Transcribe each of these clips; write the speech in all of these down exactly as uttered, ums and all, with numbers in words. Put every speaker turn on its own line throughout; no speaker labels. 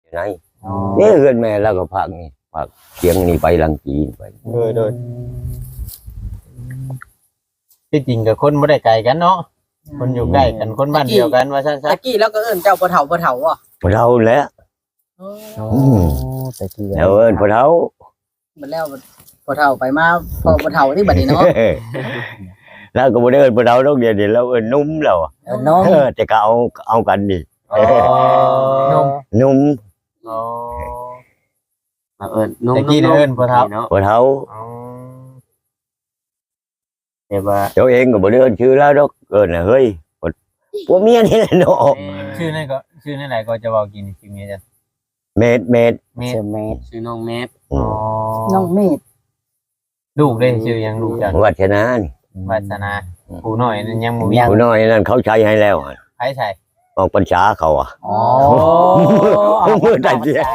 ไหนนี่เฮือนแม่แล้วก็พักนี่พักเชียงนี่ไปลังจีนไป
โดยโดยที่จริงกับคนบ่ได้ไกลกันเนาะคนอยู่ใกล้กันคนบ้านเดียวกันว่าซั่น
ตะกี้แล้วก็เอิ้นเจ้าพ่อเฒ่าพ่อเฒ่าอ่ะ
พอเท่าแล้ว
โอ้
อืม
ตะกี้
แล้วเอิ้นพอเท่า
มันแล้วพ่อเฒ่าไปมาพ่อพ่อเฒ่าที่บัดนี้เนาะ
แล้วก็บ่ได้เอิ้นพอเท่าดอกเดียวเดี๋ยวเราเอิ้นนุ่มแล้วอะ
เออน้อง
เออแต่ก็เอาเอากันดิ
ๆอ๋อ
นุ่ม
อ๋อ
มาเอิ้นนุ่ม
ตะกี้เนี่ยเอิ้นพ่อเฒ่า
เนาะ
พอเท่า
อ๋อ
แต่ว่า
เจ้าเองก็บ่ได้เอิ้นชื่อแล้วดอกเอิ้นน่ะเฮ้ยพวกเมียนี่แหละเนาะ
ชื่อนั่นก็ชื่อนั่นไหนก็จะเว้ากินชื่อเมียจ้ะ
เม็ดเม็ด
เมฆ
เซเมต
ชื่อน้องแมท
อื
อ๋อ
ม
น้องเมธ
ลูกเด้ชื่อหยังลูกจ้ะ
วัฒนานี่
วาสนาผู้น้อยนั่นยังบ่มี
ผู้น้อยนั่นเขาใช้ให้แล้วอะ
ไผใส่
ออกพรรษาเขาอ่ะ
อ๋อ
มือได้เสีย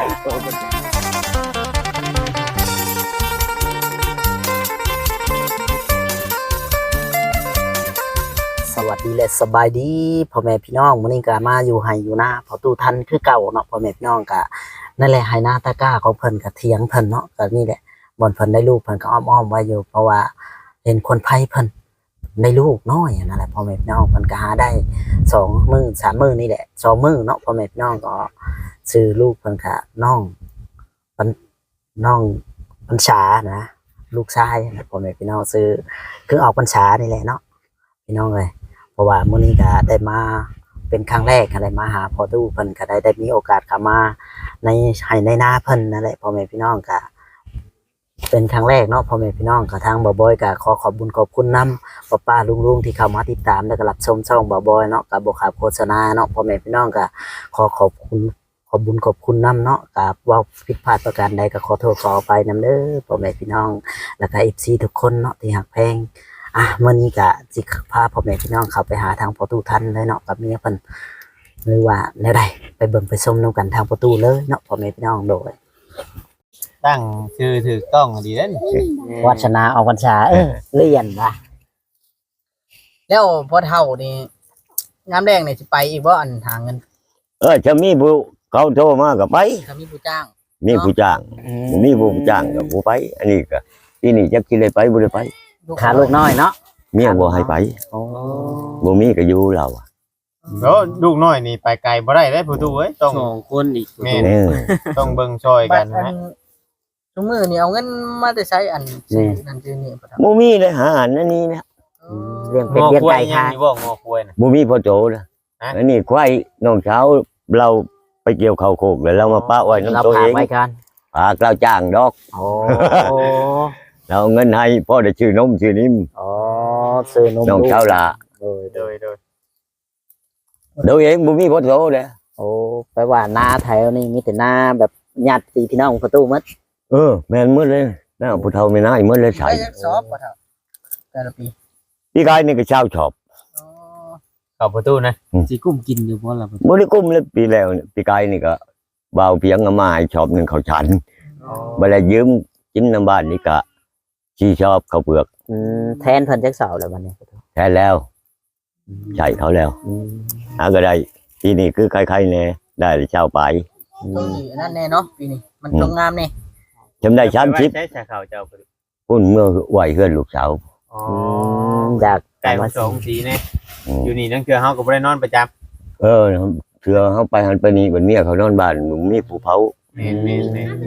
สวัสดีและสบายดีพ่อแม่พี่น้องมื้อนี้ก็มาอยู่ไห้อยู่นาพอตู้ทันคือเก่าเนาะพ่อแม่พี่น้องก็นั่นแหละไห้นาตะกร้าของเพิ่นก็เถียงเพิ่นเนาะก็นี่แหละบ่อนเพิ่นได้ลูกเพิ่นก็อ้อมๆไว้อยู่เพราะว่าเห็นคนไผเพิ่นได้ลูกน้อยนั่นแหละพ่อแม่พี่น้องเพิ่นก็หาได้สองมื้อสามมื้อนี่แหละสองมื้อเนาะพ่อแม่พี่น้องก็ซื้อลูกเพิ่นก็น้องเพิ่นน้องพรรษานะลูกชายนะพ่อแม่พี่น้องซื้อคือออกพรรษานี่แหละเนาะพี่น้องเอ้ยเพราะว่ามื้อนี้ก็ได้มาเป็นครั้งแรกอะไรมาหาพ่อตู้เพิ่นก็ได้ได้มีโอกาสเข้ามาในให้ในนาเพิ่นนั่นแหละพ่อแม่พี่น้องก็เป็นครั้งแรกเนาะพ่อแม่พี่น้องก็ทางบ่าวบอยก็ขอขอบคุญขอบคุณนำป้าป้าลุงๆที่เข้ามาติดตามและก็รับชมช่องบ่าวบอยเนาะก็บ่ขาดโฆษณาเนาะพ่อแม่พี่น้องก็ขอขอบคุณขอบคุญขอบคุณนำเนาะก็เว้าผิดพลาดประการใดก็ขอโทษขออภัยนำเด้อพ่อแม่พี่น้องแล้วก็ เอฟ ซี ทุกคนเนาะที่ฮักแพงอ่ะมื้อนี้ก็สิพาพ่อแม่พี่น้องเข้าไปหาทางประตูทันเลยเนาะกับเมียเพิ่นหรือว่าแนวใดไปเบิ่งไปชมนํกันทางประตูเลยเนาะพ่อแม่พี่น้องโดย
ตั้งชื่อถูกต้องดีเด้น
วัชนาออกพรรษาเออเรียนว่ะ
แล้วพ่อเฒ่านี่งามแดงนี่สิไปอีกบ่อันหาเงิน
เออจะมีผู้เขาโทรมาก็ไป
ถ้ามีผู้จ้าง
มีผู้จ้างมีผู้จ้างก็ผู้ไป อันนี้ก็ที่นี่จักสิได้ไปบ่ได้ไป
ขาลูกน้อยเนาะ
เมียบ่ให้ไป
โอ้
บ่มีก็อยู่เราอะ
แล้วลูกน้อยนี่ไปไกลบ่ได้เด้ผู้ตู้เอ้ยต้อง
สองคนอีก
แม่
เออ
ต้องเบิ่งช่วย
บั
กั
ด
น
อั
นะ
นซุมื้อนี่เอาเงินมาแต่ใช้อันซื้อนั่นซื้อนี่พ่อเฒ่า
บ่มีเลยหาอันนั้นนี่นะ
เลี้ยง
ง
เป็ด
อ
เลี้ยง
ควา
ไก่
ยยัง
ค่ะ
อยู่บ่งอควายน่ะ
บ่มีพ่อโจนะ
ฮะ
อันนี้ควายน้องเช้าเราไปเกี่ยวข้าวโคกแล้วเรามาปะไว้
เรา
น้ำตัว
พา
เอง
ไว้กัน
ฝากเราจ้างดอก
โอ้
เราเอาเงินให้พ่อได้ชื่อนมชื่อนิ่ม
อ๋อซื้อนม
น้องเช้าละ
โดย
โดยโดย
เดี๋ยวเองบ่มีพ่อโจเลย
โอ้ไปว่าหน้าแถวนี่มีแต่หน้าแบบญาติพี่น้องประตูมัด
เออแม่นหมดเลยน้าผู้เฒ่าไม่น่าหมดเลยใส่
ไปจักสอบพ่อเฒ่าแต่ละปี
พี่กายนี่ก็ชาวชอบ
อ๋อ
เข้าประตูนะ
สิกุ้มกินอยู่บ่ล่ะ
บ่ได้กุ้มเลยปีแล้วเนี่ยพี่กายนี่ก็บ่าวเพียงเอามาให้ชอบหนึงเขาฉันบ่ได้ยืมกินน้ำบ้านนี่ก็ชีชอบเขาวเปลือก
อืมแทนเพิ่นจักเสาแล้วบัดนี้
แท้แล้วใช่เขาแล้ว
อืม
หาก็ได้ที่นี่คือใครๆแน่ได้เช้าไป
ต้องสิอันนั้นแน่เนาะปีนี้มันต้องงามแน่
จำได้สามสิบ
ใช้ชาขาวเจ้าประตู
พุ่นเมื่อไหวเฮือนลูกสาว
อ๋อ
อืมอยาก
ไก่
มา
มาสองสีแน่
อืม
อยู่นี่นั่งเกลือเฮาก็บ่ได้นอนประจำ
เออเชื่อเขาไปหันไปนี่บันเมียเขานอนบ้านหนุ่มมีผู้เผา
แม่นแม่นแม่น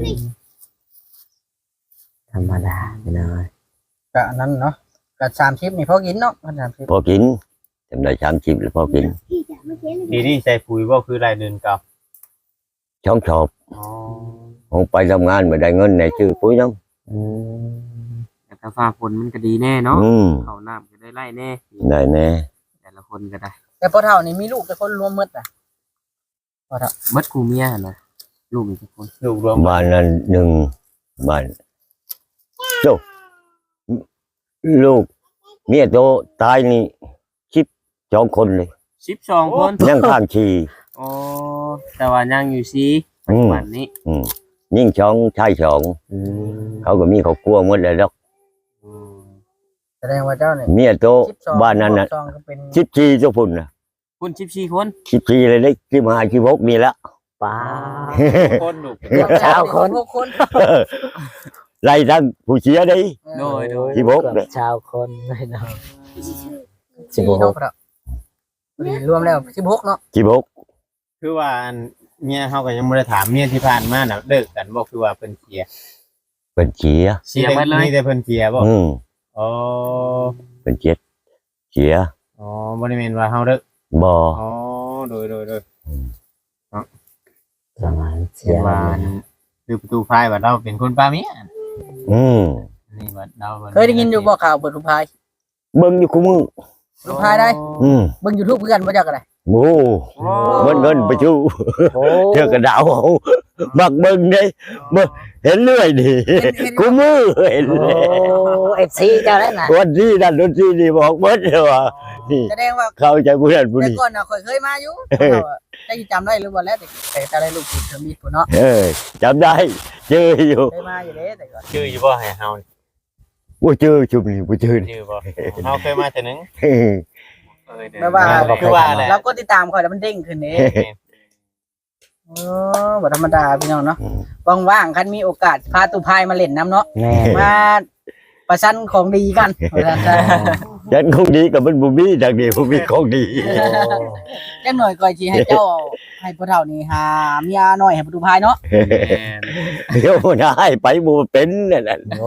ธรรมดาพี่น้อย
ก็อันนั้นเนาะก็สามสิบนี่พอกินเนาะสามสิบ
พอกินจำได้สามสิบแล้วพอกิน
ดีนี่ใส่ปุ๋ยบ่คือรายเดือนเก่า
ช่องชอบ
อ๋อ
ผมไปทำงานไม่ได้เงินในชื่อปุ้ยน้อง
อืม
แต่ถ้าฟ้าฝนมันก็ดีแน่เนาะ
อืม
เข้าน้ำก็ได้ไล่แน่
ได้แน่
แต่ละคนก็ได้
แต่พ่อเฒ่านี่มีลูกแต่คนรวมหมดอ่ะพ่อเฒ่า
เบิดกูเมียหั่นน่ะลูกอีกทุกคน
ลูกรวม
บ้านนั้นหนึ่งบ้านโจลูกเมียโตตายนี่ชิบสองคนเลย
สิบสองคน
นั่งข้างชี
อ๋อแต่ว่ายังอยู่ซีปัจจุบันนี้
อืมยิ่งสองชายสอง
อืม
เขาก็มีเขากลัวหมดเลยดอก
อืม
แสดงว่าเจ้าเนี่ย
เมียโต
สิบสอง
บ้านนั้นน่ะ
สิบสองก็เป็น
ชิบชีเจ้าพุ่นน่ะ
คุณสิบสี่คน
ชิบชีเลยได้ชิบห้าชิบหกนี่ละ
ป้า
คนลูก
เกือบเช้าคน
หกคน
ไล่ทั้งผู้เสียได้
โดยโดย
สิบหก
เกือบ
เนี่ย
ชาวคนเลยเนาะ
สิบหกครับรวมแล้วสิบหกเนาะ
สิบหก
คือว่าอันเมียเขาก็ยังไม่ได้ถามเมียที่ผ่านมาน่ะเลิกกันบ่คือว่าเพิ่นเสีย
เป็นเสีย
เสียไปเลย
มีแต่เพิ่นเสียบ่
อืม
อ๋อ
เป็นเจ็ดเสีย
อ๋อบ่ได้แม่นว่าเฮาเลิก
บ่
อ๋อโดยโดยโดย
ประมาณเสี
เสีย
ย
ว่าคือประตูพายว่าเราเป็นคนปาเมีย
อืม
นี่ว่าเราป็น
เคยได้ยินอยู่บ่ข่าวเปิดลูกพาย
เบิ่งอยู่คู่มือ
ลูกพายได้
อืม
เบิ่ง YouTube เพื่อนบ่จักอะไร
โอ้
โอ้
เงินเงินไปชู้
โอ้
เทือกกระดาวเอามักเบิ่งเด้เบิ่งเห็นเรื่อยดิคู่มือเห็น
โอ้
เลย
เอฟซีเจ้าแล้วนะ
วันที่นั่นวันที่นี่บอกเบิดเลยว่านี่
แสดงว่า
เข้าใจผู้นั้นผู้
แต่
นี้
ก่อนน่ะข่อยเคยมาอยู่ได้จำได้หรือบ่แล้วแต่แต่จะได้ลูกศิษย์เทอมมีพุ่นเนาะ
เออจำได้เจออยู่
เคยมาอยู่เด้แต่ก่อน
ชื่ออยู่บ่ให้เฮา
บ่เจอชุมนี่บ่เจอนี่
ชื่อบ่เฮาเคยมาแต่นึง
เออ
เออเดี๋ยว
แม่ว่า
คือว่าแหละ
เราก็ติดตามข่อยแล้วมันเด้งขึ้นเด้โอ้บ่ธรรมดาพี่น้องเนาะว่างๆคันมีโอกาสพาตุพายมาเล่นน้ำเนาะ
แม่
มาประชันของดีกันว่าซั่นซะ
ฉันคงดีกับมันบ่มีดังนี้บ่มีของดี
จังหน่อยก่อยสิให้เจ้าให้พ่อเฒ่านี่หาเมียน้อยให้ประตูพายเนาะ
แม่น
เดี๋ยวมันให้ไปบ่เป็นนั่นน่ะ
โอ้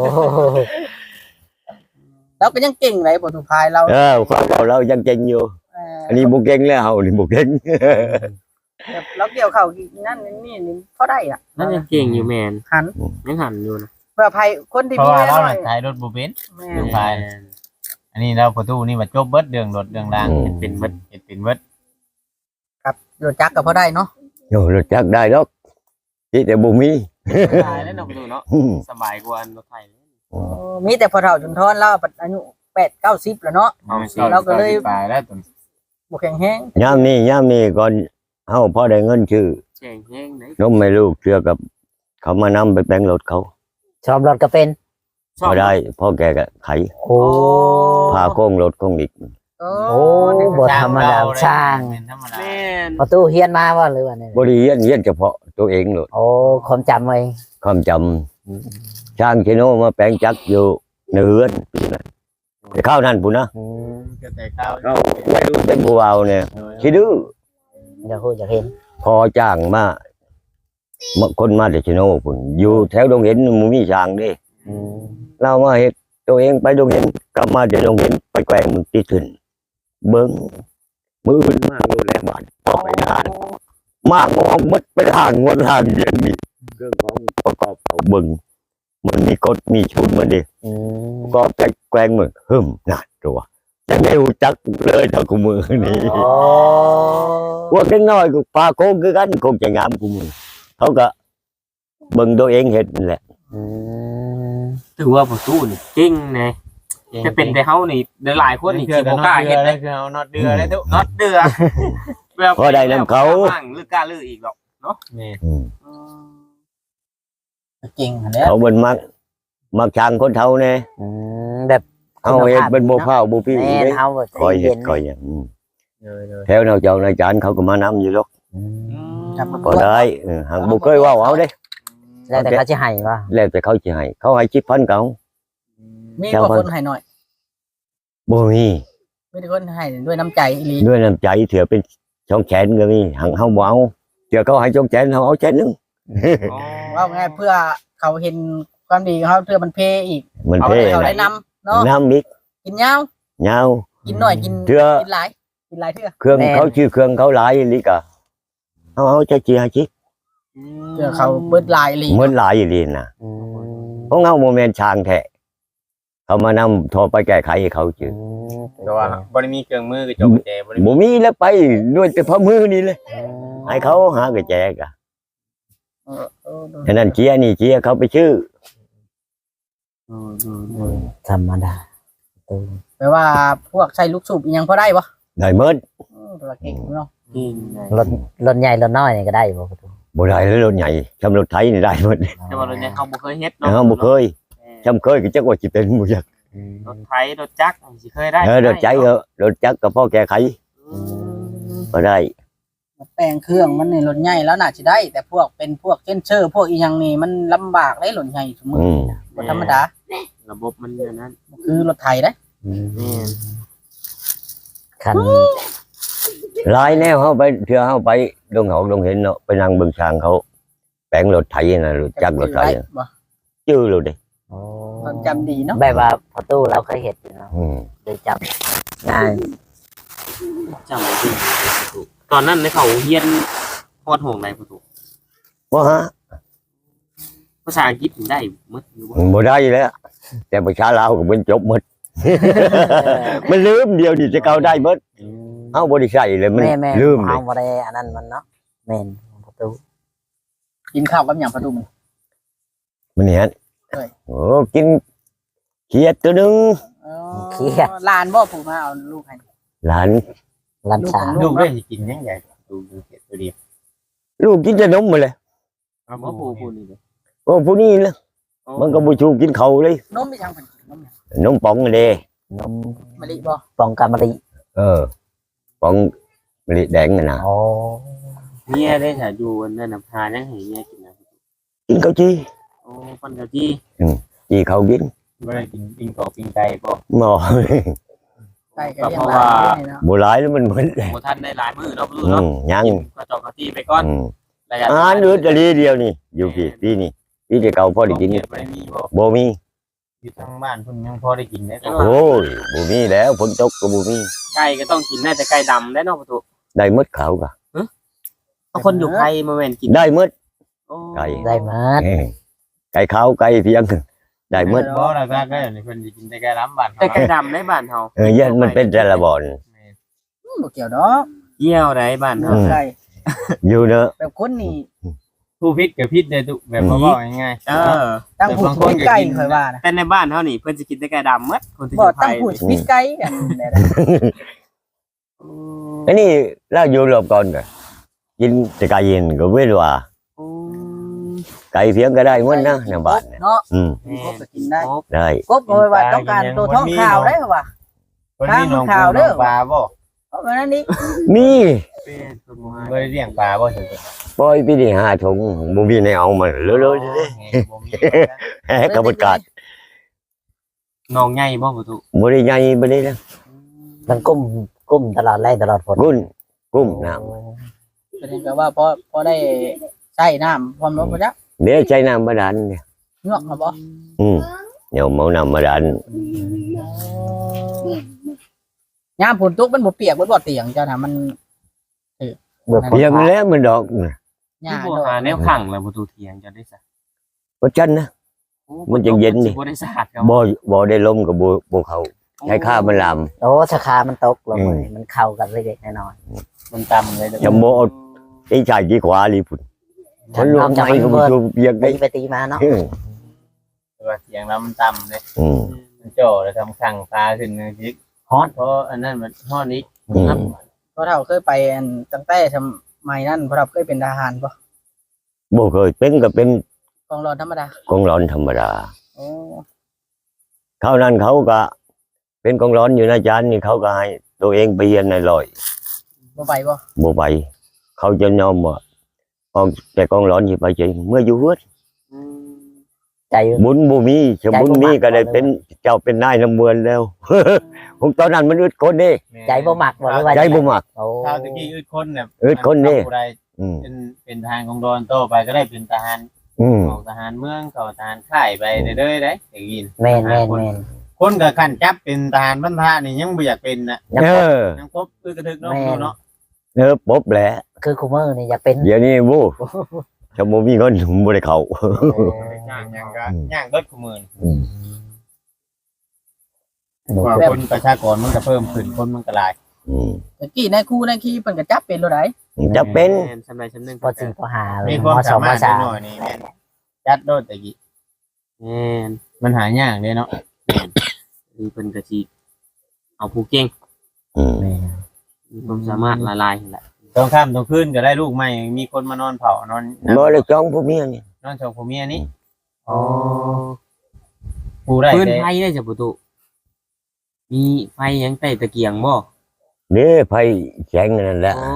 เราก็ยังเก่งเลยประตูพายเรา
เออความเราเรายังเก่งอยู่
เอ่อ
อันนี้บ่เก่งแล้วเฮานี่บ่เก่ง
แบบเราเกี่ยวเข้านั่นนี่นี่พอได้ล่ะ
นั่นยังเก่งอยู่แม่น
หัน
ยังหันอยู่นะ
เพื่อภัยคนที่
เพราะ
มี
ว่า
เมีย
เรา
น้อ
น่ะ
ย
ขายรถบ่เป็น
แม่
เรื่อง ไป อันนี้เราประตูนี่ว่าจบเบิดเรื่องรถเรื่องราง
อืม
เฮ็ดเป็นเบิดเฮ็ดเป็นเบิด
ครับรถจักรก็พอได้เนาะ
โยรู้จักได้ดอกที่แต่บ่มี
ตายแล้วเนาะประตูเนาะ
อืม
สบายกว่าอันรถไทยเลย
โอ้มีแต่พอเฒ่าจนทอนเราปัดอายุแปดเก้าสิบแล้วเนาะ
เอา
เราก็เลย
ไปแล้วตัว
บ่แข็งแรง
ยามนี้ยามนี้ก่อนเฮาพอได้เงินชื่อ
แจ้งแห้งไหน
นมให้ลูกเชื่อกับ เขามานำไปแปลงรถเขา
ชอบรถก็เป็น
พอได้พ่อแกก็ไข
โอ้
พาโค้งรถโค้งอีก
โอ้
โอ้บ่ธรรมดาช่าง
เป็นธรรมดา
แม่น
ประตูเฮียนมาว่าหรือว่าเนี่ย
บ่ได้เรียนเรียนเฉพาะตัวเองโลด
โอ้ความจำเอง
ความจำช่างชิโนมาแปลงจักรอยู่ในเฮือนปีนั้นแต่ข้าวนั่นพุ่นนะ
อืม
ก็แต่ข้าว
เขาเป็นผู้เอาเนี่ยคิดดื้อ
อยากพูดอยากเห็น
พอจ้างมามาคนมาแต่ชิโนพุ่นอยู่แถวดงเห็นหมูมีช่างเด้
อืม
เรามาเฮ็ดตัวเองไปดงเห็นกลับมาจะดงเห็นไปแกล้งมันติดขึ้นเบิ้งมือมันมากเลยแหละบาดพอไปทานมากมองมัดไปทางวันทางอย่างนี้เครื่องของประกอบเอาเบิ้งมันมีกฎมีชุดมันดิ
อืม
ก็ไปแกล้งมึงหึมน่ะตัวจะไม่รู้จักเลยถ้ากูมือนี่
โอ้
พวกน้อยๆก็ปลาโค้งคือกันคงจะงามกูมือเขาก็เบิ้งตัวเองเห็นนั่นแหละ
อืม
ถือว่าประตูนี่เก่งนะจะเป็นแต่เฮานี่หลายคนนี่สิบ่กล้าเฮ็ด
เล
เลย ย
คือเอาน็อตเดือได้ทุก
น็อตเดือแบบ
พอได้นำเขา
มั่งหรือกล้าลืออีกหรอก
นี่
อืม
เก่งหันแล้ว
เขาเป็นมักมักช่างคนเท่าเนี่ย
อืมแบบ
เอาเห็ดเป็นโมข้าวโมพี่
แม่
เด้
นเฮาบ่
คอยเห็
เห็
ด
น
คอยอย่างอืม
เลยเลย
แถวแนวเจ้านายจานเขาก็มานำอยู่หรอก
อืม
ครับ
พอได้เออหากบุเคยเว่าเอาเด้
แล้วแต่เขาจะให้ว่า
แล้วแต่เขาจะให้เขาให้ชิปพันเขา
มีกว่าคนให้หน่อย
บ่มี
มีแต่คนให้ด้วยน้ำใจอีหลี
ด้วยน้ำใจเถื่อเป็นช่องแขนก็มีหังเฮาบ่เอาเถื่อเขาให้ช่องแขนเฮาเอาแขนหนึง
ว่าไงเพื่อเขาเห็นความดีของเขาเพื่อมันเพอีก
มัน
เอา
เท่
ให้เขาได้นำเนาะ
น้ำอีก
กินยาว
ยาว
กินหน่อยกิน
เถื่อ
กินหลายกินหลายเทื่อ
เครื่องเขาชื่อเครื่องเขาหลายอีหลีกะเอาเอาจะจีให้ชิ
เพื่อเขาเบิดหลายอีหลี
เหมือนหลายอีหลีน่ะ
อืม
ของเฮาบ่แม่นช่างแท้เขามานำโทรไปแก้ไขให้เขาชื่อ
อืม
แต่ว่าบ่ได้มีเครื่องมือกระจกกระแจบ่ได้มี
บ่มีแล้วไปด้วยแต่พระมือนี่เลยให้เขาหากระแจกะ
เออเออเออ
ฉะนั้นเจียนี่เจียเขาไปชื่อ
ธรรมดา
แปลว่าพวกใช้ลูกสูบอีหยังพอได้ปะ
ได้เมิด
เออตัวเก่งเนาะ
รถรถใหญ่รถน้อยนี่ก็ได้บ่ประตู
บ่ได้แล้วรถใหญ่ชำรถไทยนี่ได้เมิด
แต่ว่ารถเนี่ยเขาบ่เคยเฮ็ดเนาะ
เฮาบ่เคยชำเคยก็จักว่าสิเป็นบ่จัก
รถไถรถจักรสิเคยได้
เออรถใจเออรถจักรก็พอแก้ไข
อืม
ก็ได้
แปลงเครื่องมันนี่รถใหญ่แล้วน่าสิได้ แต่พวกเป็นพวกเช่นเชอร์พวกอีหยังนี่มันลำบากได้รถใหญ่สมมุติ
อืม
บ่ธรรมดา
ระบบมันอย่างนั้น
คือรถไถได้
แม่น
คัน
หลายแนวเฮาไปเทื่อเฮาไปดงหอกดงเห็นเนาะไปนั่งเบิ่งช้างเขาแปลงรถไถน่ะรถจักรรถไถน่ะ
บ่
ชื่อเลยเด้
โอ้
ความจำดีเนาะ
แบบว่าพอตู้เราเคยเห็นอยู่เนาะ
อืม
เลยจำง่าย
จำบ่ได้ประตูตอนนั้นในเขาเฮียนฮอดห้องไหนประตู
บ่ฮะ
ภาษาอังกฤษถึงได้หมดอยู่บ่
บ่ได้แล้วแต่ประชาลาวก็เป็นจบหมด มันลืมเดียวนี่จะเก่าได้เบิดเฮาบ่ได้ใช้เลยมัน
แม่แม่
ลืมเล
เอา
ย
บ่ได้อันนั้นมันเนาะแม่นพอตู้
กินข้าวกับหยังประตูมัน
มันเนี่ย
เอ้ย
โอ้กินเขียดตัวหนึง
อ๋อหลานบ่ผู้มาเอาลูกให้
หลาน
ลันชา
ลูกได้สิกินยังไงดูดูเห็ดตัวเดียว
ลูกกินแต่นมมาเลย
เอาบ่ผู้ผู้นี่เด้อ
โอ้ผู้นี้นะมันก็บ่ชูกินเขาวเลย
นมมีทางเพิ่นกินนมหยัง
นมป๋องนั่นเด้
นม
มะลิบ่
ปองกามะลิ
เออป๋องมะลิแดงน่ะนะ
โอ้
เมียได้ถ้าอยู่อันนั้นน่ะพายังให้เมียกินนะ
กินข้าวจี
โอ้ปันกะจี้
จีเขากิน
ไม่ได้กินปิ้งกรอบปิ้งไก่บ่
หมอ
ไก่ก็เลี้ยงหลานอยู่นี่เนาะ
บ่หลายแล้วมันเหมือน
บ่ทันได้หลายมื้อเนาะลูก
อื
เนาะ
มยัง
ก็จอกกะจี้ไปก่อน
อืม
ระยะ
อาหารเหลือแต่ลีเดียวนี่ อยู่พี่พี่นี่พี่จะเก่าพอได้กิน
ไม่มีบ่
บ่มี
อยู่ทางบ้านเพิ่นยังพอได้กินได้ก็
โอ้ยบ่มีแล้วฝนตกก็บ่มี
ไก่ก็ต้องกินได้แต่ไก่ดำได้เนาะประตู
ได้หมดเขาก็
เอาคนอยู่ไผมาแม่นกิน
ได้หมด
โอ้
ไก่
ได้หมา
เอ้ยไก่ขาวไก่เพียงได้หมด
บ่แล้วก็ก็อย่างนี้เพิ่นสิกินแต่ไก่ล้ำบ้าน
แต่ไก่ดำในบ้านเฮา
เออยันมันเป็นแต่ละบ่อน
อืมบ่เกี่ยวดอก
เยี่ยวได้บ้านเฮา
อืม
ไก่
อยู่เนอะ
แบบคนนี่
ผู้พิษกับพิษได้ทุกแบบบ่บอกง่าย
เออ
ตั้งผู้ถูกไก่ค่อยว่านะ
แต่ในบ้านเฮานี่เพิ่นสิกินแต่ไก่ดำหมดคนที่อ
บ่
ยู่ไผ
ตั้งผู้พิษไก่อันนี้นะ
อันนี้เราอยู่รอบก่อนก็กินแต่ไก่เย็นก็เว้นว่า
โอ้
ไก่เพียงก็ได้หมดนะในบ้านเนี่ย
เนาะ
อืม
แม่
กบก็กินได้
ครบ
ได้
กบก็ว่าต้องการตัวท้องขาวได้ป่ะ
ๆเพิ่นมีน้องปูน้องปลาบ่
เพราะฉะนั้นนี่
มี
เป็นคนบ่ให้
บ่ได้เลี้ยงปลาบ่ถึง
ปล่อยพี่นี่ห้าถุงบ่มีในเอามาเลยเลยๆเด้
บ่มี
แหกระบวนการ
น้องใหญ่บ่ประตู
บ่ได้ใหญ่บ่ได้นะ
มันกุ้มกุ้มตลอดแรงตลอดฝน
กุ้นกุ้มน้ำ
ประเด็นก็ว่าพอพอได้ใช้น้ำความร้อนบ่จ๊ะ
เดี๋ยวใช้น้ำบาดาลเนี่ย
เงือกมาบ่
อืมเดี๋ยวเมาน้ำบาดาล
ยามฝนตกมันบ่เปียกบ่บ่เตียงเจ้าน่ะมัน
เบื่อฝน
เพียงแล้วมันดอกน่ะ
หญ้า
ที่บ่
ดอก
หาแนวขังแล้วประตูเถียงจะได้ซะ
บ่จันนะ
โอ้
มันจะเย็นดิ
บ่ได้สะอาดครับ
บ่บ่ได้ลมกับบ่บ่เข้าใช้ข้ามันลาม
โอ้ชะคามันตกลง
อืม
เลยมันเข้ากันเล็กๆน้อย
มันต่ำเลยเด้อ
จะบ่เอาไอ้ชายที่ขวาลีพุ่น
ๆ
มันลง
จาก
ไม่ก็
มัน
บ่
เบิด
ชูเปียกได้
ตีไปตีมาเนาะ
อืม
แต่ว่าเสียงแล้วมันต่ำเลย
อืม
มันจ่อแล้วทำขังปลาขึ้นนึงจิฮอตเพราะอันนั้นมันฮอตนี้
อืม
เพราะเราเคยไปอันตั้งแต่สมัยนั้นเพราะเราเคยเป็นทหารบ่
บ่เคยเป็นก็เป็น
กองร้อนธรรมดาก
องร้อนธรรมดา
โอ้
คราวนั้นเขาก็ เป็นกองร้อนอยู่นะอาจารย์นี่เขาก็ให้ตัวเองไปเรียนในร้อย
บ่ไปบ่
บ่ไปเขาจะยอมว่าออกแต่กองร้อนสิไปเฉยเมื่ออยู่เฮือด
อืม
ใจอยู่
บุญบ่มีชบุญมีก็ได้เป็นเจ้าเป็นนายน้ำเมืองแล้ว ของตอนนั้นมันอึดคนเด้
ใจบ่หมักบ่หรือว่า
ใจบ่มัก
โอ้
ชาวตะกี้อึดคนเนี่ย
อึดคนนี่
ผู้ใด
อืม
เป็นเป็นทหารของดอนโตไปก็ได้เป็นทหาร
อืม
ของทหารเมืองเขาทหารค่ายไปเรื่อยๆได้อย่างนี้
แม่นแม่นแม่น
คนกับขันจับเป็นทหารบรรพานี่ยังบ่อยากเป็นนะ
ยัง
เอ
พอ
อ
ยังพบอึดกระทึกเนาะ
แม่
เนาะ
เออปบแหละ
คือคูเมอร์นี่อยากเป็น
เดี๋ยวนี้วู้ชบ่มีเงินบ่ได้เข้า
ย่างยังก็ย่างเบิดขมือน
อืม
หนู
กว่าคนประชากรมันก็เพิ่มขึ้นคนมันก็หลาย
อืม
ตะกี้ในครูในขี้เพิ่นก็จับเป็นโลดได้
จะเป็น
แม่นสำไรสำนึง
พอสี่พอหาเล
มี
ย
ความ
มส
สา
องม
มารถ
สาม
หน่อยนี่แม่นจัดโดดตะกี้
แม่น
มันหายากเด้เนาะ
มีเพิ่นก็สิเอาผู้เก่ง
อืม
แม่น
มีความสามารถละลายนั่นแหละ
ตอนค่ำตอนคืนก็ได้ลูกใหม่มีคนมานอนเผานอน
บ่ได้จ้องผู้เมียนี่
นอนชมพ่อเมียนี่
อ๋อ
ผู้ได้
พื้น
แต่
ไฟได้จ้ะประตูมีไฟหยังใต้ตะเกียงบ่
เด้ไผแสงนั่นแหละ
โอ้แส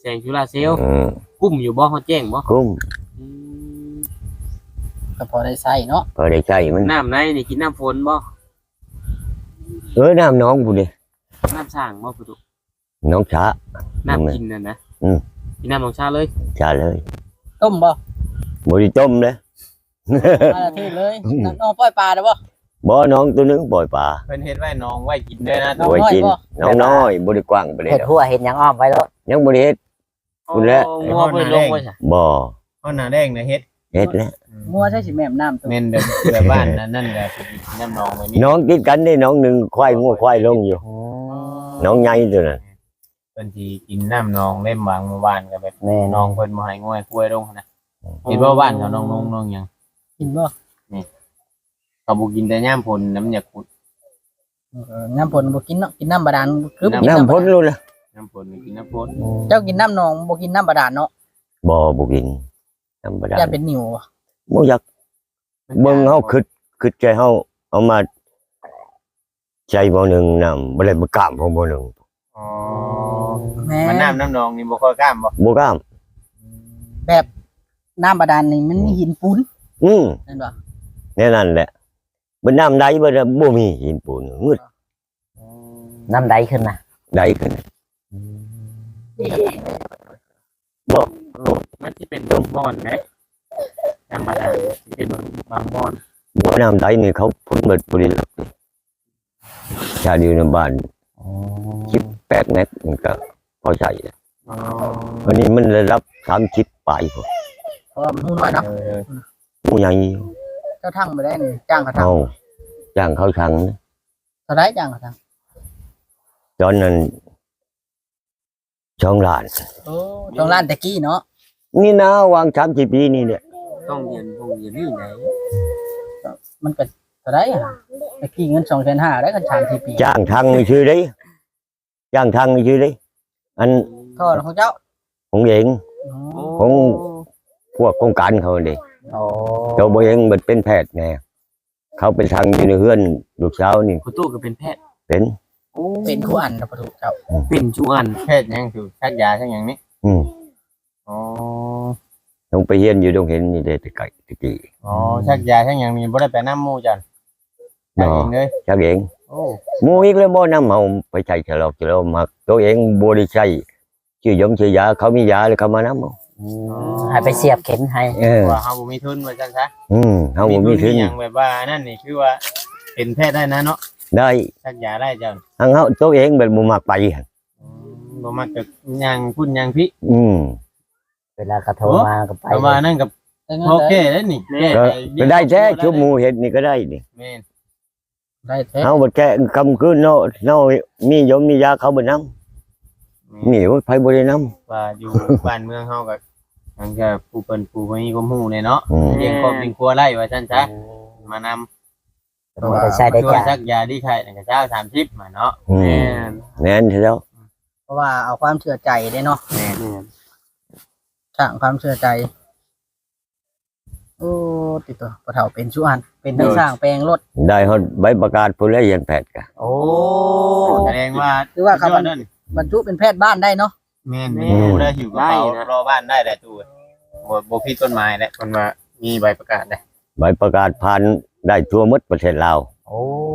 งจุฬาเซลล์
อืม
กุ้มอยู่บ่เขาแจ้งบ่
คุ้ม
อืม
ก็พอได้ใช้เนาะ
พอได้ใช้มัน
น้ำในนี่กินน้ำฝนบ่
เออน้ำน้องกูดิ
น้ำสร้างบ่ประตู
น้องช้า
น้ำกินน่ะนะ
อืม
กินน้ำของชาเลย
ช้าเลย
ต้มบ่
บริต้มเลย
มาละเทศเลยน้ำน้องปล่อยปลาได้บ่
บ่น้องตัวนึงปล่อยปลา
เพิ่นเฮ็ดไว้น้องไว้กินด้วยนะ
น้อง
ไว้
น้อย
กิน
บ่
น้องน้อยบริกว้างไปเลย
เห็ดหัวเห็ดหยังอ้อมไว้แล้ว
ยังบริเฮ็ด คุณแล้ว
โอ้งัวเพิ่นลงไว้ซะ
บ่
เฮาหน้าแดงน่ะเฮ็ด
เฮ็ดแล้ว
งัวใช่สิแม่มน้ำตัว
แม่นแบบแบบบ้านนั้นนั่นก็กินน้ำนองไว้นี่
น้องติดกันได้น้องหนึ่งควายงัวควายลงอยู่ น้องใหญ่ตัวนั้น
เพิ่นสิกินน้ำนองเล่มวางเมื่อวานก็แบบ
แม่น
น้องเพิ่นบ่ให้ง่วยกล้วยลงนะเห็นว่าบ้านเขาน้องน้องน้องหยัง
กินบ่
เขาบ่กินแต่ย่ามพลน้ำยาขุด
เออน้ำฝนบ่กินเนาะกินน้ำบาดาลคือบ่กิ
น้ำพ้นรู้ละ
น้ำพลนี่กินน้ำพล
เจ้ากินน้ำหนองบ่กินน้ำบาดาลเนาะ
บ่บ่กินธรรมดา
อย่าเป็นนิ่วบ่
บ่อยากเบิ่งเฮาคิดคิดใจเฮาเอามาใจบ่หนึ่งน้ำบ่ได้บ่กล้ามของบ่หนึ่ง
อ๋อ
แม่
มันน้ำน้ำนองนี่บ่ค่อยกล้ามบ่
บ่กล้าม
แบบน้ำบาดาลนี่มันมีหินปูน
อืม
นั่นบ่
แน่นั่นแหละบ่น้ำใดบ่ได้บ่มีหินปูนมืด
น้ำใดขึ้นนะ
ใดขึ้น
มันสิเป็นบางบ่อนไหมธรรมดาสิเป็นบางบ่อน
บ่น้ำใดนี่เขาพ่นเบิดบ่ได้หรอกชาอยู่ในบ้านสิบแปดเมตรมันก็พอใช้แล้ว
อ๋อ
วันนี้มันได้รับสามสิบปลายพุ่น
เพราะว่ามันน้อยเนาะ
เออ
ผู้ใหญ่
เจ้าทั้งบ่ได้นี่จ้างเขาทั้ง
เอาจ้างเขาชังนะ
เท่าไรจ้างเขาทั้ง
ตอนนั้นช่องล้าน
โอ้ตรงร้านตะกี้เนาะ
นี่นะวางสามสิบปีนี่เนี่ย
ต้องเรียนโรงเรียนนี่ไหน
มันก็เท่าไรอ่ะตะกี้เงินสองแสนห้าได้กันสามสี่ปี
จ้างทางนี่ชื่อได้จ้างทางนี่ชื่อได้อัน
โทษของเจ้า
ของเอง
อ๋อ
ของ พวกโครงการเขาเด็
โอ้
เจ้าบ่เองมันเป็นแพทย์ไงเขาเป็นทางอยู่ในเฮือนลูกสาวนี่
คุณตู้ก็เป็นแพทย์
เป็น
โอ้
เป็นคู่อันนะประตูเจ้า
เป็นจุอัน
แพทย์หยังคือชักยาชักหยังนี่
อืม
อ๋อ
ต้องไปเฮียนอยู่ตรงเห็นนี่ได้แต่ไก่ตะกี้
อ๋อชักยาชักหยังนี่บ่ได้ไปน้ำหมู่จันชักเองเลย
ชักเอง
โอ้
หมู่อีกแล้วบ่นำเฮาไปใช้ฉลอกฉลอกมักตัวเองบ่ได้ใช้ชื่อยงชื่อยาเขามียาแล้วเขามานำเอา
ให้ไปเสียบเข็มให้
เออ
ว่าเฮาบ่มีทุนว่าจังซะ
อืมเฮาบ่มีทุน
หยังแบบว่านั่นนี่คือว่าเป็นแพทย์ได้นะเนาะ
ได้
ชักยาได้จัง
ทางเฮาตัวเองแบบบ่มักไปหั่น
บ่มักจะยังพุ่นยังพี่
อืม
เวลากระโทรมาก็ไป
แต่ว่านั่นกับ
ได้เงิน
โอเค
ได้
แล้วนี่
ก็ก็ได้แท้ชุบหมู่เฮ็ดนี่ก็ได้นี่
แม่น
ได้แท้
เฮาบ่แค่คำคืนเนาะเนาะมียมมียาเขาบ่นำนี่ว่าไผบ่ได้นำ
ว่าอยู่ บ้านเมืองเฮาก็ทางจะผู้เปิ้นผู้บ่มีความรู้เนี่ยเนาะ
อืม
เลี้ยงครอบเลี้ยงครัวไร่ว่าซั่นซะมานำ
บ่ได้ใช้ได้
ช่วย
จ้ะ
ซักยาดีไข่นั่นก็เจ้าสามสิบมาเนาะ
อื
แม่
ม
น
แม่นเถอะแล้ว
เพราะว่าเอาความเชื่อใจได้เนาะ
แม่น
แม่น
สร้างความเชื่อใจ โอ้ติดตัวปะเฒ่าเป็นชุอันเป็นทั้งสร้างแปลงรถ
ได้ฮอดใบประกาศผู้แล้วเรียนแพทย์ก็
โอ้
แสดงว่า
คือว่าครับ
สุดยอดนั่น
บรรจุเป็นแพทย์บ้านได้เนาะ
แม่นมีตู้ได้หิวกระเป๋ารอบ้านได้ได้ตู้บ่บ่ผิดต้นไม้แหละมันว่ามีใบประกาศได้
ใบประกาศผ่านได้ทั่วหมดประเทศลาว
โอ้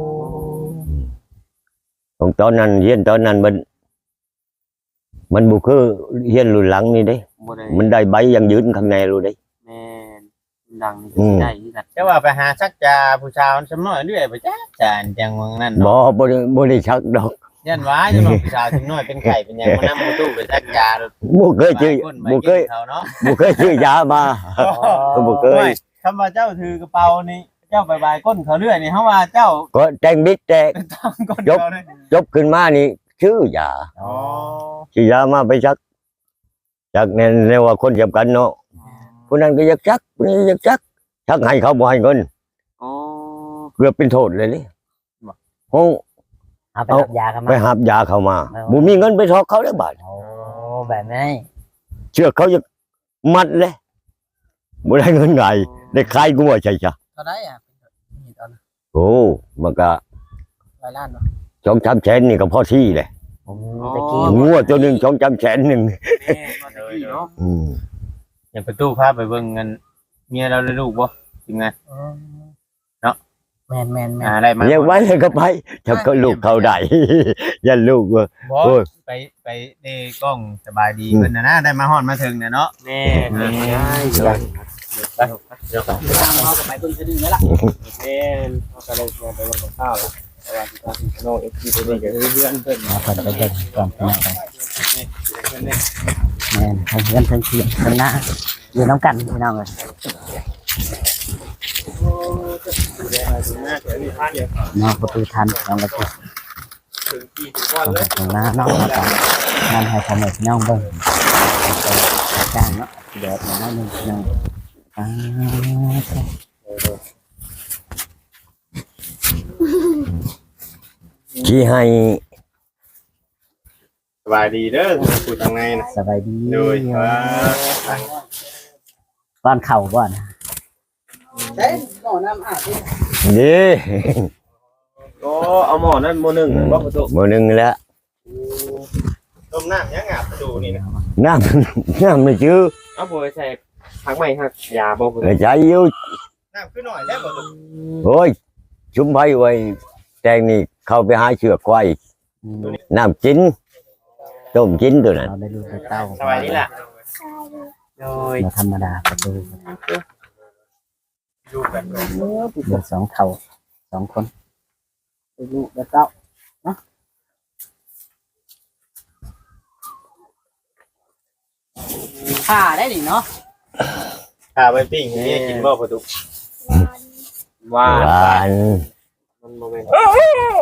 ของตอนนั้นเรียนตอนนั้นมันมันบ่คือเรียนรุ่นหลังนี่เด้
บ่ได้
มันได้ใบอยังยืนข้างในรู้เด้
แม่นดังนี่ก็
อื
สิ
ม
ได้คือกัน
แต่ว่าไปหาซักยาผู้ชาวสำน้อยเรื่อยไปจ้าจานจังเมืองนั่น
บ่
เนาะ
บ่ได้บ่ได้ชักดอก
ยันว่าจังว่าผู้ชาวสำน้อยเป็นไข่เป็นหยังมานำตู้ไปซักยา
บ่เคยชื่อบ่เคย
เขาเนาะ
บ่เคยชื่อยามา ก็บ่เคย
คำว่าเจ้าถือกระเป๋านี่เจ้าไปบายก้นเขาเรื่อยนี่เฮาว่าเจ้า
ก็แต่งบิ๊กแต่
ต้องก้น
ยก
เขาเลย
จบขึ้นมานี่ชื่อยา
อ๋อ
ชื่อยามาไปชักจากในในว่าคนสำคัญเนาะผู้นั้นก็อยากชักผู้นี้อยากชักชักให้เขาบ่ให้เงิน
อ๋อ
เกือบเป็นโทษเลยนี่โอ้
เอาไป
เอา
รับยากันมา
ไปหับยาเขามาบ่มีเงินไปทอกเขาได้บาท
โอ้แบบนี้
เชื่อเขาจะมัดเลยบ่ได้เงินไงได้ขายกูว่าใช่จ้ะ
เท่าไรอ่ะนี่ตอนนั้น
โอ้มันก็
หลายล้านเนาะ
สองสามแสนนี่ก็พอที่เลย
โอ้ตะกี้
งัวตัวหนึงสองจำแสนหนึง
แม่ตอนนี้เนาะ
อืม
อย่าประตูพาไปเบิ่งกันเมียเราได้ลูกบ่จริงไง
แม่นแม่นแม่
อ่าน ได้มา
เรียกไว้เลยก็ไปถ้าก็ลูกเขาได้ อย่าลูกว่า
บ่
โอ้ย
ไปไปเดกล้องสบายดีเพิ่นน่ะนะได้มาฮอดมาถึงน่ะเนาะ
แม่แม่ใช่ไปเดี๋ยวก่อน
ตามเขาก็ไปเบิ่งซื่อๆแล้วล่ะ
แม่เขาก็เลยไปลงกับข้าวแล้วแต่ว่าที่ทางโน้เอฟซีตัวนี้ก็คือเพื่อนเพิ่น
เอาเพิ่นไปเบิ่งก่อนพี่น้องกัน
เพิ่นเนี่ย
แม่นทั้งเพื่อนทั้งเทียงทั้งหน้าอยู่น้ำกันพี่น้องเลย
เดี๋ยวมาถึงหน้าเดี๋ยวนี่พาเดี๋ยวน
อกประตูทันพี่น้องเลย
ถึงกี่ถึงวันเลย
ตรงหน้านอกมากันงานให้ทำให้พี่น้องเบิ่งจ้างเนาะเดี๋ยวมาหน้าหนึ่งพี่น้องอ่า
ที่ให้
สบายดีเด้อผู้ทางในน่ะ
สบายดี
โดยว่า
ก้อนเข่าก่อน
ใช้หม้อน้ำอาบดิ
นี่
โอ้เอาหมอนั่นโมหนึ่งบ่ประตู
มื้อหนึงแล้ว
ต้มน้ำยังอาบประตูนี่นะ
น้ำน้ำไม่ชื่อ
เอาบ่ใส่พักใหม่ฮักยาบ่ประตู
เออใจอยู่
น้ำขึ้นหน่อยแล้วประตู
โอ้ยชุมไว้ไว้แตงนี่เข้าไปหาเชือกควายน้ำกินต้มกินตัวนั้น
เราได้ลูกได้เต้า
สบายดีล่ะ
โดย
มาธรรมดาประตู
อยู่กัน
เดือสองเท่าสองคน
ลูกแล้วเต้าเนาะผ่าได้ดิเนาะ
พาไปปิ้งให้เมียกินบ่ประตู
ว่า
หวาน
มันบ่แม่นโอ้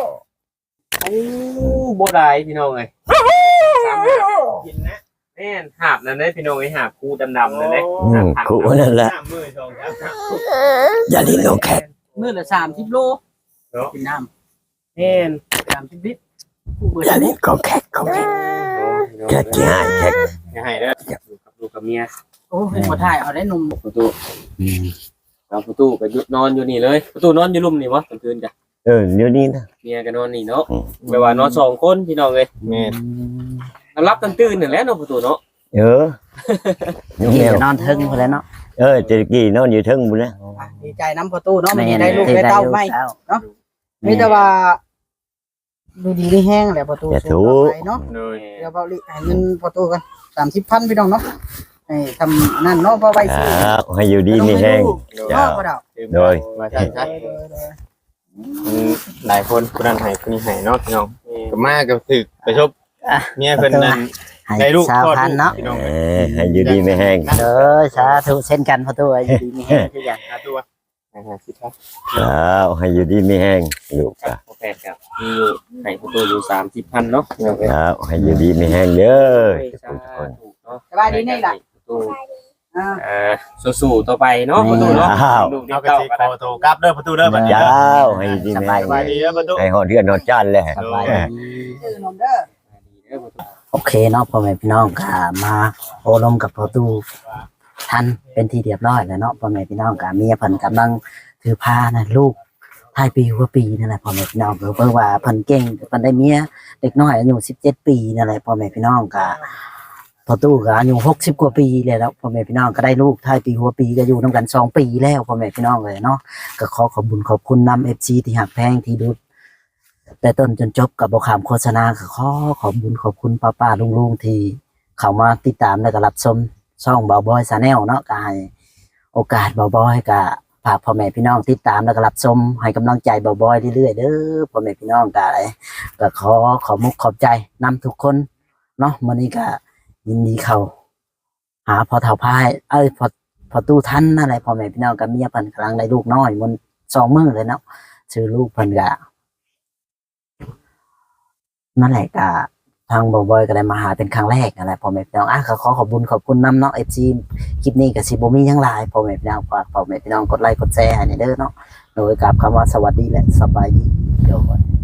บ่ได้พี่น้องเอ้ยสามหาบ
กินนะ
แม่นหาบนั่นเด้พี่น้องไอ้หาบคู่ดำๆนั่นเด้
อืมขู่นั่นแหละ
น้ำมือชงครับ
อย่าลิ้นลงแขก
มื้อละสามสิบโล
เนาะ
กินน้
แม่น
ำสามสิบลิตรผู้เบิด
อย่าลิ้นของแขกของแขกแขกกี่หายแขก
อย่าให้เด้อ
อยู่กับลูกกับเมีย
โอ้ยบ่ถ่ายเอาได้นม
ประตูเอาประตูไปนอนอยู่นี่เลยประตูนอนอยู่ลุ่มนี่วะกลางคืนจ้ะ
เออเดี๋ยวนี้นะ
เมียก็นอนนี่เนาะ
อืม
แปลว่านอนสองคนพี่น้องเอ้ย
แม่
รับกันตื่นนั่นแหละเนาะประตูเนาะ
เออน้องแม
เดี๋ยว
วน
อนเทิงพอแล้วเนาะ
เออจะกี่นอนอยู่เทึงบุญนะ
อ่ะดีใจน้ำประตูเนาะไม่ได้ลูกได้เต้าไม่
เนาะ
มีแต่ว่าดูดีได้แห้งแหละประตู
อย่า
สู
ถู
งต่อไปเนาะ
เลย
เดี๋ยวเบาลิให้เงินประตูกันสามสิบพันพี่น้องเนาะให้ทำนั่นเนาะเพราะไว้
ค
ซื้อ
รับให้อยู่ดีมีแห้ง
เนาะพ่อดาว
โดย
มาใช่ใช่หลายคนผู้นั้นให้ผู้นี้ให้เนาะพี่น้องก็มาก็ถึกไปชบเมียเพิ่นนั่น
ให้
ได้ลูก
สาว
คลอด
พัน
ลูก
เนาะ
พี่น้อง
เออให้อยู่ดีมีแห้ง
เออสาธุเช่นกันพอตัวอยู่ดีมีแห้งคือกัน
หาตัวหาสิครับ
ครับให้อยู่ดีมีแห้งลูกครับ
โอเคครับมีอยู่ให้ประตูอยู่สามสิบพันเนาะ
ครับให้อยู่ดีมีแห้งเด้อ
สาธุเนาะ
สบายดีนี่ล่ะ
ประตู
อ่า
เอ่อสู้ๆต่อไปเนาะประตูเนาะ
อ้าว
ลูก
เอา
เต้าก
ระ
ก็
สิ
ได้
ขอโทรกลับเด้อประตูเด้อบัดนี้
เจ้าให้อยู่ดีมี
ส
แห้ง
บายดีเด้อประตู
ให้หอดเทือนหอดจ้านเลย
สบายดี
ซื้อนมเด้อ
โอเคเนาะพ่อแม่พี่น้องก็มาโอลมกับประตูทันเป็นที่เรียบร้อยแล้วเนาะพ่อแม่พี่น้องก็เมียเพิ่นกำลังถือผ้านะลูกท้ายปีหัวปีนั่นแหละพ่อแม่พี่น้องเพิ่นว่าเพิ่นเก่งเพิ่นได้เมียเด็กน้อยอายุสิบเจ็ดปีนั่นแหละพ่อแม่พี่น้องก็พอตู้ก็อายุหกสิบกว่าปีเลยแล้วพ่อแม่พี่น้องก็ได้ลูกท้ายปีหัวปีก็อยู่นำกันสองปีแล้วพ่อแม่พี่น้องเลยเนาะก็ขอขอบคุญขอบคุณนำ เอฟ ซี ที่หักแพงที่ดูแต่ต้นจนจบกับบขามโฆษณาก็ขอขอบคุญขอบคุณป้าป้าลุงลุงที่เข้ามาติดตามและก็รับชมช่องบ่าวบอยชาแนลเนาะก็ให้โอกาสบ่าวบอยก็ฝากพ่อแม่พี่น้องติดตามและก็รับชมให้กำลังใจบ่าวบอยเรื่อยๆเด้อพ่อแม่พี่น้องก็ก็ขอขอมุกขอบใจนำทุกคนเนาะมื้อนี้ก็ยินดีเข้าหาพอเฒ่าพายเอ้ยพอพอตู้ทันนั่นแหละพ่อแม่พี่น้องกับเมียเพิ่นกำลังได้ลูกน้อยมันสองมื้อเลยเนาะชื่อลูกเพิ่นก็นั่นแหละก็ทางบ่าวบอยก็ได้มาหาเป็นครั้งแรกนั่นแหละพ่อแม่พี่น้องอ่ะก็ขอขอบคุญขอบคุณนำเนาะ เอฟ ซี คลิปนี้ก็สิบ่มีหยังหลายพ่อแม่พี่น้องฝากพ่อแม่พี่น้องกดไลค์กดแชร์ให้เด้อเนาะโดยกับคำว่าสวัสดีและสบายดีเดี๋ยวก่อน